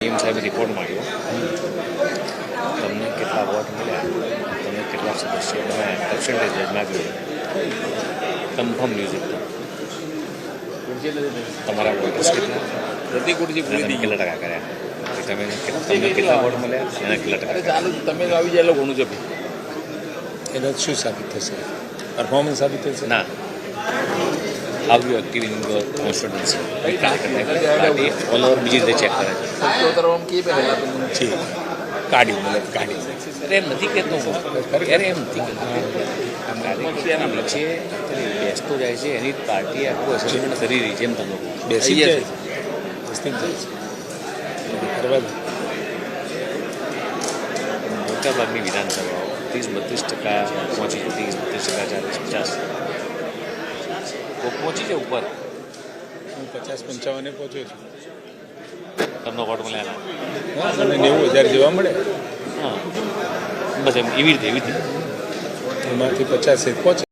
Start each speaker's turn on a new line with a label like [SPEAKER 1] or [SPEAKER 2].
[SPEAKER 1] એમ સાહેબ રિપોર્ટ માંગ્યો તમને કેટલા વોટ મળ્યા, તમને કેટલા સદસ્યો, તમે પર્સન્ટેજ માગ્યું, કન્ફર્મ ન્યૂઝ એકદમ તમારા વોટર્સ કેટલા,
[SPEAKER 2] પ્રતિ ખુરશી પૂરી થઈ
[SPEAKER 1] કેટલા ટકા કર્યા, તમે તમને કેટલા વોટ મળ્યા, એના કેટલા ટકા.
[SPEAKER 2] ચાલુ તમે આવી જાય એટલે ઘણું છે.
[SPEAKER 3] એના શું સાબિત થશે? પરફોર્મન્સ સાબિત થશે?
[SPEAKER 1] ના, how you active in your constituency party all over બીજી રીતે ચેક કરે છે.
[SPEAKER 3] જી કાઢી મતલબ કાઢી
[SPEAKER 1] અરે એમ નથી કહેતો હું, અરે એમ નથી કહેતો. કાર્યકર્તાના વચ્ચે બેસતો જાય છે, એની પાર્ટી આખું એસેસમેન્ટ કરી રહી છે. એમ તમે
[SPEAKER 3] બેસી જાય છે, બેસતી જાય છે કરવા દો.
[SPEAKER 1] મોટાભાગની વિધાનસભાઓ 30-32% પહોંચી, 30-32%, 40-50 પહોંચી છે ઉપર.
[SPEAKER 3] હું 50-55 પહોંચ્યો છું.
[SPEAKER 1] તમને વોટ મળ્યા
[SPEAKER 3] હા, મને 90,000 જેવા મળે.
[SPEAKER 1] હા, બસ એમ એવી રીતે
[SPEAKER 3] એમાંથી 50 પહોંચે.